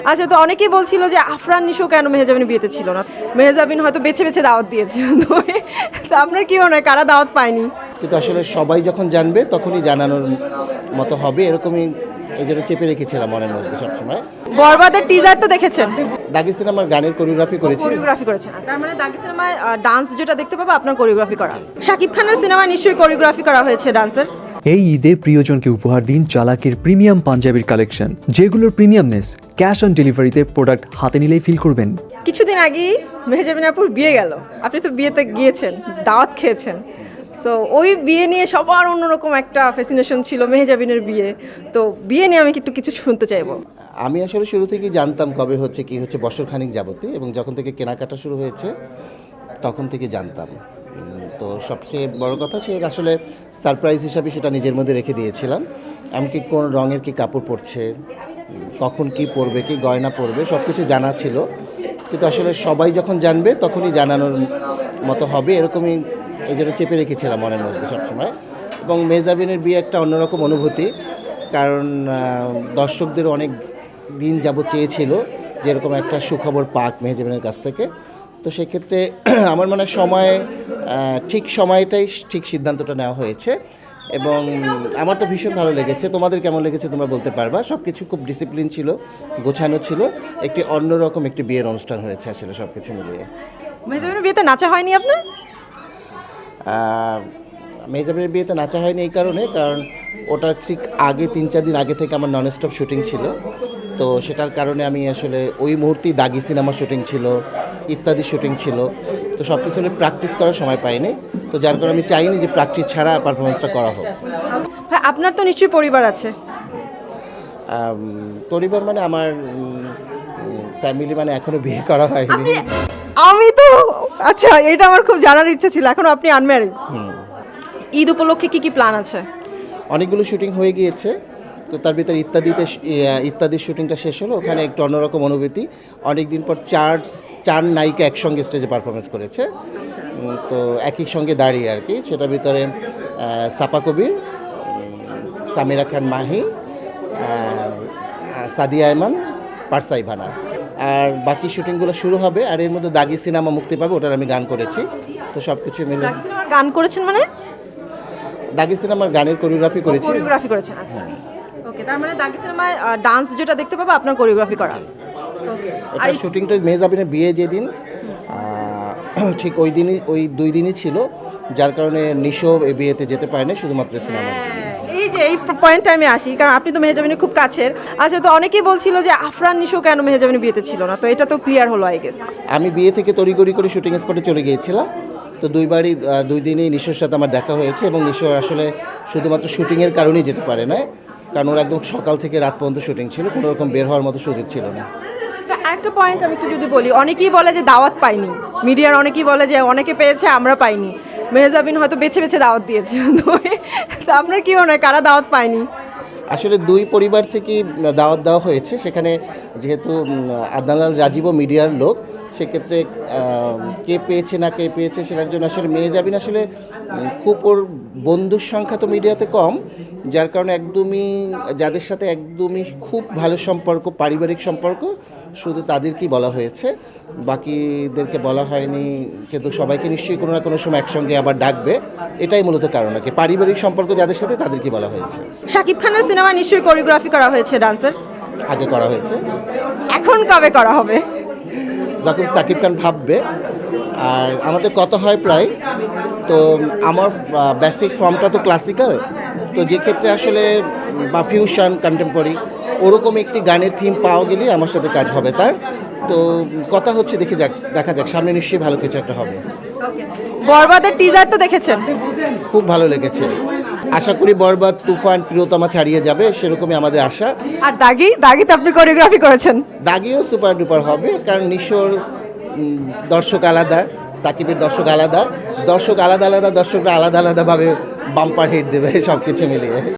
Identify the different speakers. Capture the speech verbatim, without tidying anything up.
Speaker 1: আচ্ছা, তো অনেকেই বলছিল যে আফরান নিশো কেন মেহজাবিনের বিয়েতে ছিল না। মেহজাবিন হয়তো বেছে বেছে দাওয়াত দিয়েছে। তো আপনার কি মনে হয় কারা দাওয়াত পায়নি?
Speaker 2: কিন্তু আসলে সবাই যখন জানবে তখনই জানানোর মতো হবে, এরকমই এই জন্য চেপে রেখেছিলাম মনের মধ্যে সবসময়।
Speaker 1: বরবাদের টিজার তো দেখেছেন?
Speaker 2: দাগি সিনেমার গানের কোরিওগ্রাফি করেছি।
Speaker 1: কোরিওগ্রাফি করেছেন, তার মানে দাগি সিনেমায় ডান্স যেটা দেখতে পাবো আপনার কোরিওগ্রাফি করা। শাকিব খানের সিনেমায় নিশ্চয়ই কোরিওগ্রাফি করা হয়েছে ডান্সের।
Speaker 3: এই ঈদে প্রিয়জনকে উপহার দিন চালাকের প্রিমিয়াম পাঞ্জাবির কালেকশন, যেগুলোর প্রিমিয়ামনেস ক্যাশ অন ডেলিভারিতে প্রোডাক্ট হাতে নিলেই ফিল করবেন।
Speaker 1: কিছুদিন আগেই মেহজাবিন আপুর বিয়ে গেল, আপনি তো বিয়েতে গিয়েছেন, দাওয়াত খেয়েছেন। তো ওই বিয়ে নিয়ে সবার অন্যরকম একটা ফ্যাসিনেশন ছিল মেহজাবিনের বিয়ে। তো বিয়ে নিয়ে আমি একটু কিছু শুনতে চাইবো।
Speaker 2: আমি আসলে শুরু থেকেই জানতাম কবে হচ্ছে কি হচ্ছে বছর খানিক যাবতই, এবং যখন থেকে কেনাকাটা শুরু হয়েছে তখন থেকে জানতাম। তো সবচেয়ে বড় কথা ছিল আসলে সারপ্রাইজ হিসাবে সেটা নিজের মধ্যে রেখে দিয়েছিলাম। এমনকি কোন রঙের কি কাপড় পরছে, কখন কি পরবে, কি গয়না পরবে, সব কিছু জানা ছিল। কিন্তু আসলে সবাই যখন জানবে তখনই জানানোর মতো হবে, এরকমই এই জন্য চেপে রেখেছিলাম মনের মধ্যে সবসময়। এবং মেহজাবিনের বিয়ে একটা অন্যরকম অনুভূতি, কারণ দর্শকদের অনেক দিন যাবত চেয়েছিল যে এরকম একটা সুখবর পাক মেহজাবিনের কাছ থেকে। তো সেক্ষেত্রে আমার মনে হয় সময় ঠিক সময়টাই ঠিক সিদ্ধান্তটা নেওয়া হয়েছে, এবং আমার তো ভীষণ ভালো লেগেছে। তোমাদের কেমন লেগেছে তোমরা বলতে পারবা। সব কিছু খুব ডিসিপ্লিন ছিল, গোছানো ছিল, একটি অন্যরকম একটি বিয়ের অনুষ্ঠান হয়েছে আসলে সব কিছু মিলিয়ে।
Speaker 1: মেহজাবিনের বিয়েতে নাচা হয়নি আপনার?
Speaker 2: মেহজাবিনের বিয়েতে নাচা হয়নি এই কারণে, কারণ ওটার ঠিক আগে তিন চার দিন আগে থেকে আমার নন স্টপ শুটিং ছিল। তো সেটার কারণে আমি আসলে ওই মুহূর্তেই দাগি সিনেমা শুটিং ছিল, ইত্যাদি শুটিং ছিল। তো সব কিছু নিয়ে প্র্যাকটিস করার সময় পাইনি। তো যার কারণে আমি চাইনি যে প্র্যাকটিস ছাড়া পারফরমেন্সটা করা হোক।
Speaker 1: ভাই, আপনার তো নিশ্চয়ই পরিবার আছে?
Speaker 2: পরিবার মানে আমার ফ্যামিলি মানে এখনো বিয়ে করা হয়নি।
Speaker 1: আমি তো আচ্ছা, এটা আমার খুব জানার ইচ্ছে ছিল। এখনো আপনি আনম্যারিড। ঈদ উপলক্ষে কি কি প্ল্যান আছে?
Speaker 2: অনেকগুলো শুটিং হয়ে গিয়েছে, তো তার ভিতরে ইত্যাদিতে ইত্যাদির শুটিংটা শেষ হলো। ওখানে একটু অন্যরকম অনুভূতি। অনেক দিন পর চার চার নায়িকা একসঙ্গে স্টেজে পারফরমেন্স করেছে। তো একই সঙ্গে দাঁড়িয়ে আর কি। সেটার ভিতরে সাপা কবির, সামিরা খান মাহি, সাদিয়া আয়মান, পারসাই ভানা। আর বাকি শুটিংগুলো শুরু হবে। আর এর মধ্যে দাগি সিনেমা মুক্তি পাবে, ওটার আমি গান করেছি। তো সব কিছু মিলে।
Speaker 1: গান করেছেন মানে? দাগি
Speaker 2: সিনেমার গানের কোরিওগ্রাফি করেছি।
Speaker 1: কোরিওগ্রাফি করেছেন, আচ্ছা। ওকে, তার মানে দাগি সিনেমায় ডান্স যেটা দেখতে পাবো আপনার কোরিওগ্রাফি করা। ওকে, আর এই
Speaker 2: শুটিংটা মেহজাবিনের বিয়ে যেদিন ঠিক ওই দিনই, ওই দুই দিনই ছিল, যার কারণে নিশো এই বিয়েতে যেতে পারেনি, শুধুমাত্র সিনেমা।
Speaker 1: এই যে এই পয়েন্টটা আমি আসি, কারণ আপনি তো মেহজাবিনের খুব কাছের। আচ্ছা, তো অনেকেই বলছিল যে আফরান নিশো কেন মেহজাবিনের বিয়েতে ছিল না। তো এটা তো ক্লিয়ার হলো আই গেস।
Speaker 2: আমি বিয়ে থেকে তড়িগড়ি করে শুটিং স্পটে চলে গিয়েছিলাম। তো দুইবারই দুই দিনই নিশোর সাথে আমার দেখা হয়েছে, এবং নিশো আসলে শুধুমাত্র শুটিংয়ের কারণেই যেতে পারে না, কারণ ওর একদম সকাল থেকে রাত পর্যন্ত শুটিং ছিল, কোনো রকম বের হওয়ার মতো সুযোগ ছিল না।
Speaker 1: আরেকটা পয়েন্ট আমি একটু যদি বলি, অনেকেই বলে যে দাওয়াত পাইনি, মিডিয়ার অনেকেই বলে যে অনেকে পেয়েছে আমরা পাইনি, মেহজাবিন হয়তো বেছে বেছে দাওয়াত দিয়েছে। তো আপনার কি মনে হয় কারা দাওয়াত পায়নি?
Speaker 2: আসলে দুই পরিবার থেকেই দাওয়াত দেওয়া হয়েছে। সেখানে যেহেতু আদনালাল রাজীবও মিডিয়ার লোক, সেক্ষেত্রে কে পেয়েছে না কে পেয়েছে সেটার জন্য আসলে মেহজাবিন আসলে খুব ওর বন্ধুর সংখ্যা তো মিডিয়াতে কম, যার কারণে একদমই যাদের সাথে একদমই খুব ভালো সম্পর্ক, পারিবারিক সম্পর্ক, শুধু তাদেরকেই বলা হয়েছে, বাকিদেরকে বলা হয়নি। কিন্তু সবাইকে নিশ্চয়ই কোনো না কোনো সময় একসঙ্গে আবার ডাকবে, এটাই মূলত কারণ আর কি। পারিবারিক সম্পর্ক যাদের সাথে তাদেরকে বলা হয়েছে।
Speaker 1: শাকিব খানের সিনেমায় নিশ্চয়ই কোরিওগ্রাফি করা হয়েছে ডান্সের?
Speaker 2: আগে করা হয়েছে।
Speaker 1: এখন কবে করা হবে?
Speaker 2: যখন সাকিব খান ভাববে। আর আমাদের কত হয় প্রায়, তো আমার বেসিক ফর্মটা তো ক্লাসিক্যাল, তো যে ক্ষেত্রে আসলে বা ফিউশন কন্টেম্পোরারি ওরকম একটি গানের থিম পাওয়া গেলেই আমার সাথে কাজ হবে তার। তো কথা হচ্ছে, দেখে যাক, দেখা যাক, সামনে নিশ্চয়ই ভালো কিছু একটা হবে।
Speaker 1: বরবাদের টিজার তো দেখেছেন?
Speaker 2: খুব ভালো লেগেছে। আশা করি বরবাদ, তুফান, প্রিয়তমা ছাড়িয়ে যাবে, সেরকমই আমাদের আশা।
Speaker 1: আর দাগি, দাগিতে আপনি কোরিওগ্রাফি করেছেন?
Speaker 2: দাগিও সুপার ডুপার হবে, কারণ নিশোর দর্শক আলাদা, সাকিবের দর্শক আলাদা, দর্শক আলাদা আলাদা, দর্শকরা আলাদা আলাদাভাবে বাম্পার হিট দেবে সব কিছু মিলিয়ে।